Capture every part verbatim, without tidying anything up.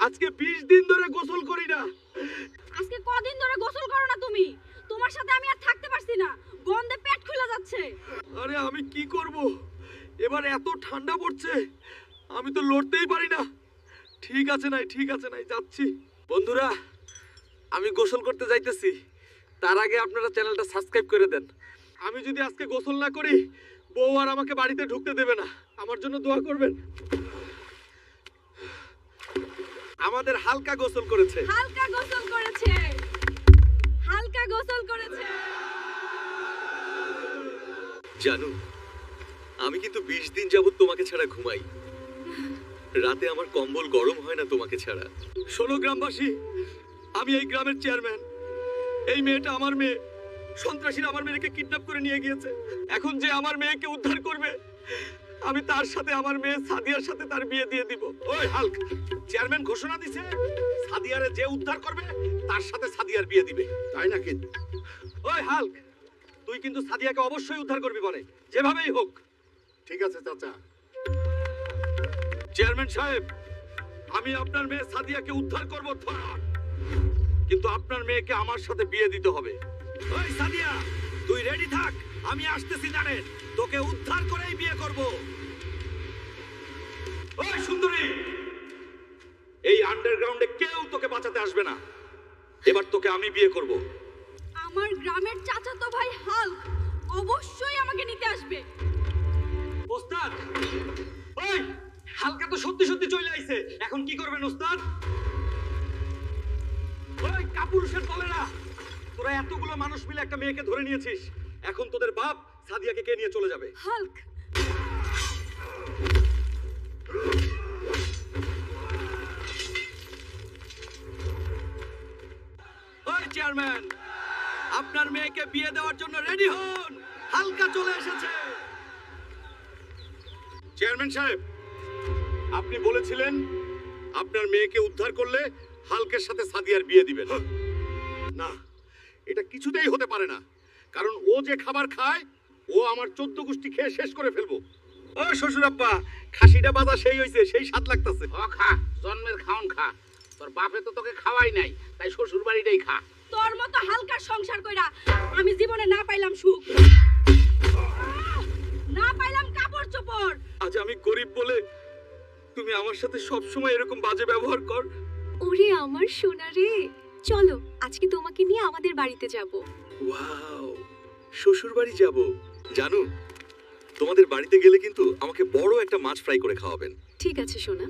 আজকে বিশ দিন ধরে গোসল করি না। আজকে কদিন ধরে গোসল করো না তুমি? তোমার সাথে আমি আর থাকতে পারছি না, গন্ধে পেট খুলে যাচ্ছে। আরে আমি কি করব, এবার এত ঠান্ডা পড়ছে, আমি তো লড়তেই পারি না। ঠিক আছে নাই, ঠিক আছে নাই, যাচ্ছি। বন্ধুরা, আমি গোসল করতে যাইতেছি, তার আগে আপনারা চ্যানেলটা সাবস্ক্রাইব করে দেন। আমি যদি আজকে গোসল না করি, বউ আর আমাকে বাড়িতে ঢুকতে দেবে না। আমার জন্য দোয়া করবেন। আমাদের হালকা গোসল করেছে। হালকা গোসল করেছে, হালকা গোসল করেছে। জানো, আমি কিন্তু বিশ দিন যাবত তোমাকে ছাড়া ঘুমাই। রাতে আমার কম্বল গরম হয় না তোমাকে ছাড়া। শোনো গ্রামবাসী, আমি এই গ্রামের চেয়ারম্যান। এই মেয়েটা আমার মেয়ে। সন্ত্রাসীরা আমার মেয়েকে কিডন্যাপ করে নিয়ে গিয়েছে। এখন যে আমার মেয়েকে উদ্ধার করবে, আমি তার সাথে আমার মেয়ে সাদিয়ার সাথে তার বিয়ে দিয়ে দিব। ওই হাল্ক, চেয়ারম্যান ঘোষণা দিছে সাদিয়ারে যে উদ্ধার করবে তার সাথে সাদিয়ার বিয়ে দিবে, তাই না? কিন্তু ওই হাল্ক, তুই কিন্তু সাদিয়াকে অবশ্যই উদ্ধার করবি বলে, যেভাবেই হোক। ঠিক আছে চাচা। চেয়ারম্যান সাহেব, আমি আপনার মেয়ে সাদিয়াকে উদ্ধার করব, কিন্তু আপনার মেয়েকে আমার সাথে বিয়ে দিতে হবে। ওই সাদিয়া, তুই রেডি থাক, আমি আসতেছি। জানেন, তোকে উদ্ধার করেই বিয়ে করব। ওই সুন্দরী, এই আন্ডারগ্রাউন্ডে কেউ তোকে বাঁচাতে আসবে না। এবার তোকে আমি বিয়ে করব। আমার গ্রামের চাচাতো ভাই হাল্ক অবশ্যই আমাকে নিতে আসবে। ওস্তাদ, ওই হালকা তো সত্যি সত্যি চলে আইছে, এখন কি করবেন ওস্তাদ? ওই কাপুরুষের দলেরা, তোরা এতগুলো মানুষ মিলে একটা মেয়েকে ধরে নিয়েছিস। এখন তোদের বাপ সাদিয়াকে কে নিয়ে চলে যাবে? হাল্ক, ওই চেয়ারম্যান, আপনার মেয়েকে বিয়ে দেওয়ার জন্য রেডি হন, হালকা চলে এসেছে। চেয়ারম্যান সাহেব, আপনি বলেছিলেন আপনার মেয়েকে উদ্ধার করলে হালকের সাথে সাদিয়ার বিয়ে দিবেন। না, এটা কিছুতেই হতে পারে না, কারণ ও যে খাবার খায়, ও আমার চোদ্দ গোষ্ঠী খেয়ে শেষ করে ফেলবো। ও শ্বশুর আব্বা, খাসিটা বাজা সেই হইছে, সেই স্বাদ লাগতেছে। ও খা, জন্মের খাওন খা। তোর বাপে তো তোকে খাওয়াই নাই, তাই শ্বশুর বাড়িটাই খা। তোর মতো হালকার সংসার কইরা আমি জীবনে না পাইলাম সুখ, না পাইলাম কাপড় চোপড়। আজ আমি গরিব বলে তুমি আমার সাথে সব সময় এরকম বাজে ব্যবহার কর। ওরে আমার সোনা রে, চলো আজকে তোমাকে নিয়ে আমাদের বাড়িতে যাব। ওয়াও, শ্বশুর বাড়ি যাব। জানো, তোমাদের বাড়িতে গেলে কিন্তু আমাকে বড় একটা মাছ ফ্রাই করে খাওয়াবেন। ঠিক আছে সোনা।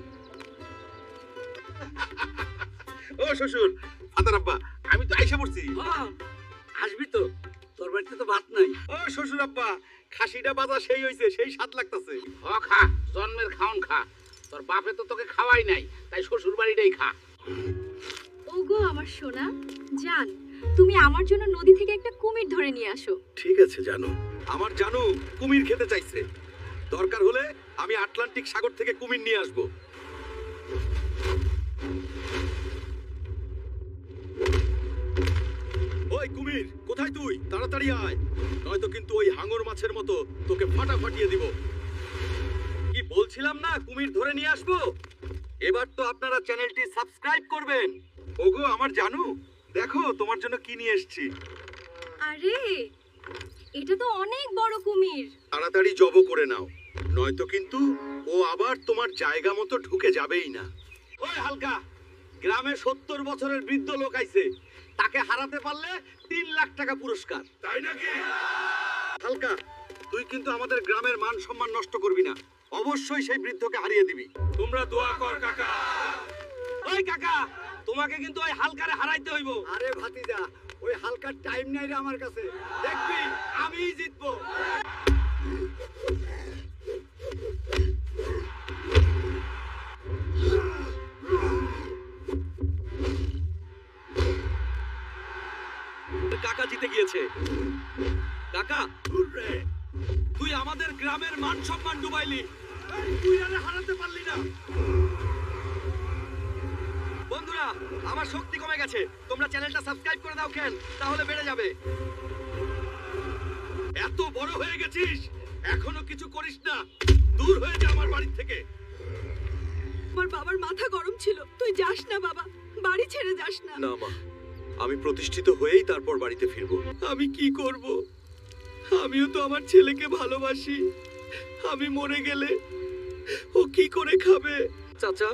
ও শ্বশুর, ফাদার আব্বা, আমি তো আইসা পড়ছি। আসবি তো, তোর বাড়িতে তো ভাত নাই। ও শ্বশুর আব্বা, খাসিটা বাজা সেই হইছে, সেই স্বাদ লাগতেছে। ও খা, জন্মের খাওন খা। তোর বাপে তো তোকে খাওয়াই নাই, তাই শ্বশুর বাড়িটাই খা। ওগো আমার সোনা, জান তুমি আমার জন্য নদী থেকে একটা কুমির ধরে নিয়ে আসো। ঠিক আছে জানো, আমার জানো কুমির খেতে চাইছে। দরকার হলে আমি আটলান্টিক সাগর থেকে কুমির নিয়ে আসব। ওই কুমির, কোথায় তুই? তাড়াতাড়ি আয়, নয়তো কিন্তু ওই হাঙর মাছের মতো তোকে ফাটা ফাটিয়ে দিব। কি বলছিলাম না, কুমির ধরে নিয়ে আসবো। এবার তো আপনারা চ্যানেলটি সাবস্ক্রাইব করবেন। ওগো আমার জানু, দেখো তোমার জন্য কি নিয়ে এসেছি। আরে এটা তো অনেক বড় কুমির। তাড়াতাড়ি জব করে নাও, নয়তো কিন্তু ও আবার তোমার জায়গা মতো ঢুকে যাবেই না। ওই হালকা, গ্রামে সত্তর বছরের বৃদ্ধ লোক আইছে, তাকে হারাতে পারলে তিন লাখ টাকা পুরস্কার। তাই নাকি? হালকা, তুই কিন্তু আমাদের গ্রামের মান সম্মান নষ্ট করবি না, অবশ্যই সেই বৃদ্ধকে হারিয়ে দিবি। তোমরা দোয়া কর কাকা। ওই কাকা, তোমাকে কিন্তু ওই হালকারে হারাইতে হইব। আরে ভাতিজা, ওই হালকার টাইম নাই রে আমার কাছে। দেখবি আমিই জিতবো। কাকা জিতে গিয়েছে। কাকা, তুই আমাদের গ্রামের মান সম্মান ডুবাইলি, তুই আরে হারাতে পারলি না। বন্ধুরা, আমার শক্তি কমে গেছে, তোমরা চ্যানেলটা সাবস্ক্রাইব করে দাও কেন, তাহলে বেড়ে যাবে। এত বড় হয়ে গেছিস, এখনো কিছু করিস না, দূর হয়ে যা আমার বাড়ি থেকে। আমার বাবার মাথা গরম ছিল, তুই যাস না। না মা, আমি প্রতিষ্ঠিত হয়েই তারপর বাড়িতে ফিরবো। আমি কি করব? আমিও তো আমার ছেলেকে ভালোবাসি। আমি মরে গেলে ও কি করে খাবে? চাচা,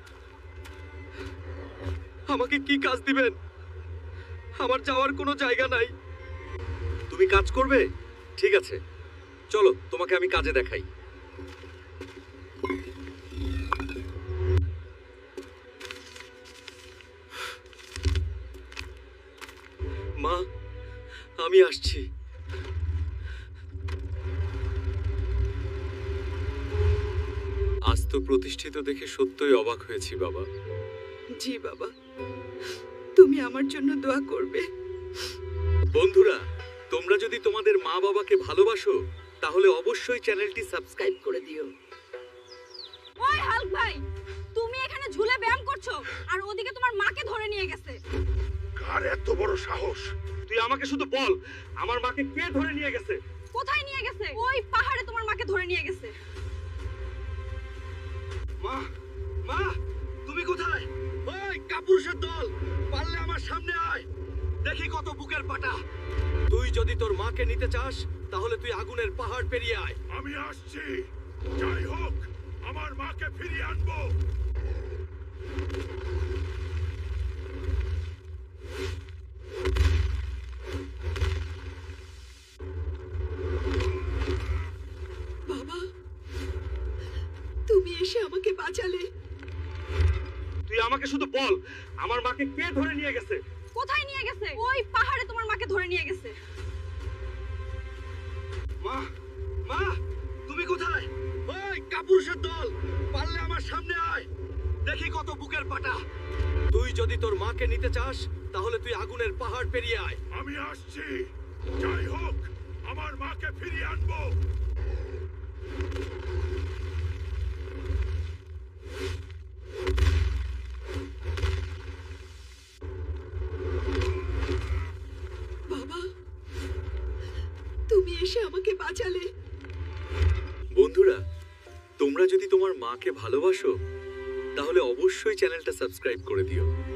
আমাকে কি কাজ দিবেন? আমার যাওয়ার কোনো জায়গা নাই। তুমি কাজ করবে? ঠিক আছে, চলো তোমাকে আমি কাজে দেখাই। মা, আমি আসছি। আজ তো প্রতিষ্ঠিত দেখে সত্যই অবাক হয়েছি বাবা। জি বাবা, তুমি আমার জন্য দোয়া করবে। বন্ধুরা, তোমরা যদি তোমাদের মা বাবাকে ভালোবাসো তাহলে অবশ্যই চ্যানেলটি সাবস্ক্রাইব করে দিও। ওই হাল্ক ভাই, তুমি এখানে ঝুলে ব্যায়াম করছো আর ওদিকে তোমার মাকে ধরে নিয়ে গেছে। কার এত বড় সাহস? তুই আমাকে শুধু বল, আমার মাকে কে ধরে নিয়ে গেছে? কোথায় নিয়ে গেছে? ওই পাহাড়ে তোমার মাকে ধরে নিয়ে গেছে। মা, মা, তুমি কোথায়? ওই কাপুরুষের দল, পারলে আমার সামনে আয়, দেখি কত বুকের পাটা। তুই যদি তোর মাকে নিতে চাস তাহলে তুই আগুনের পাহাড় পেরিয়ে আয়। আমি আসছি, যাই হোক আমার মাকে ফিরিয়ে আনবো। বাবা, তুমি এসে আমাকে বাঁচালে। তুই আমাকে শুধু বল, আমার মাকে কে ধরে নিয়ে গেছে? কোথায় নিয়ে গেছে? ওই পাহাড়ে তোমার মাকে ধরে নিয়ে গেছে। মা, মা, তুমি কোথায়? ওই কাপুরুষের দল, পারলে আমার সামনে আয়, দেখি কত বুকের পাটা। তুই যদি তোর মাকে নিতে চাস তাহলে তুই আগুনের পাহাড় পেরিয়ে আয়। আমি আসছি, যাই হোক আমার মাকে ফিরিয়ে আনবো। বাবা, তুমি এসে আমাকে বাঁচালে। বন্ধুরা, তোমরা যদি তোমার মাকে ভালোবাসো তাহলে অবশ্যই চ্যানেলটা সাবস্ক্রাইব করে দিও।